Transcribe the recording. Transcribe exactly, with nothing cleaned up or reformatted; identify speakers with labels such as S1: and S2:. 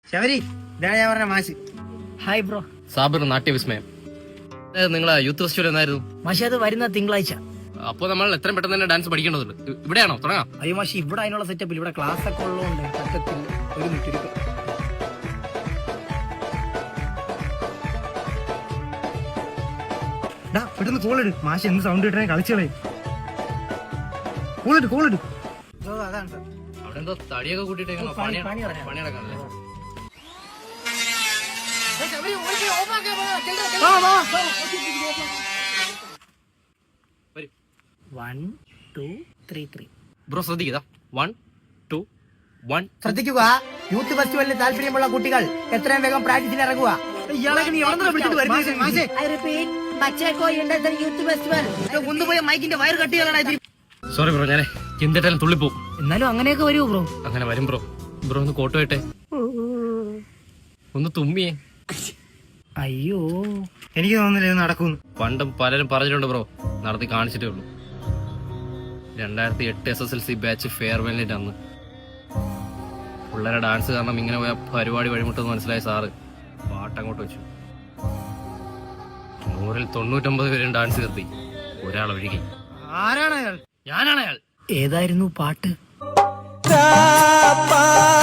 S1: ശബരി, ഇതാണ് ഞാൻ പറഞ്ഞ മാഷ്.
S2: Hi bro.
S3: സാബിർ നാട്യവിസ്മയം. നിങ്ങളെ യൂത്ത് ഫെസ്റ്റിവൽ എന്നായിരുന്നു?
S2: മാഷി അത് വരുന്ന തിങ്കളാഴ്ച.
S3: അപ്പൊ നമ്മൾ എത്രയും പെട്ടെന്ന് തന്നെ ഡാൻസ് പഠിക്കേണ്ടതുണ്ട്. ഇവിടെയാണോ തുടങ്ങാം?
S2: അയ്യോ മാഷി, ഇവിടെ അതിനുള്ള സെറ്റപ്പിൽ ഇവിടെ ക്ലാസ് ഒക്കെ ഉള്ളതുകൊണ്ട് പറ്റത്തില്ല. ഒരു മിനിറ്റ് ഇരിക്കും.
S1: പെട്ടെന്ന് കോളിട്. മാഷ് എന്ത് സൗണ്ട് കിട്ടണേ കളിച്ചോളേ. കോളിട് കോളിട്. അതാണ് സാർ.
S3: അവിടെ എന്തോ തടിയൊക്കെ കൂട്ടിട്ട് പണി നടക്കാനല്ലേ?
S2: One two three three
S3: bro ശ്രദ്ധിക്കുക. One two one.
S1: ശ്രദ്ധിക്കുക, യൂത്ത് ഫെസ്റ്റിവലിന് താല്പര്യമുള്ള കുട്ടികൾ എത്രയും വേഗം പ്രാക്ടീസിന് ഇറങ്ങുക. ഇയാളൊക്കെ നീ എവിടെ വിളിച്ചിട്ട് കൊണ്ടുപോയ മൈക്കിന്റെ വയർ കട്ടികളാണ്.
S3: സോറി ബ്രോ, ഞാനേ എന്തിട്ടാലും തുള്ളിപ്പോ.
S2: എന്നാലും അങ്ങനെയൊക്കെ വരുമോ ബ്രോ?
S3: അങ്ങനെ വരും ബ്രോ. ബ്രോ ഒന്ന് കോട്ട് പോയിട്ടെ, ഒന്ന് തുമ്മിയേ.
S2: അയ്യോ,
S1: എനിക്ക് തോന്നുന്നില്ല ഇത് നടക്കുന്നു.
S3: പണ്ടും പലരും പറഞ്ഞിട്ടുണ്ട് ബ്രോ, നടത്തി കാണിച്ചിട്ടേ ഉള്ളൂ. രണ്ടായിരത്തി എട്ട് S S L C batch ഫെയർവെല്ലിന്റെ അന്ന് പിള്ളേരെ ഡാൻസ് കാരണം ഇങ്ങനെ പോയ പരിപാടി വഴിമുട്ടെന്ന് മനസ്സിലായ സാറ് പാട്ടങ്ങോട്ട് വെച്ചു. നൂറിൽ തൊണ്ണൂറ്റൊമ്പത് പേരും ഡാൻസ് നിർത്തി, ഒരാൾ ഒഴുകി.
S1: ആരാണ് അയാൾ?
S3: ഞാനാണ് അയാൾ.
S2: ഏതായിരുന്നു പാട്ട്?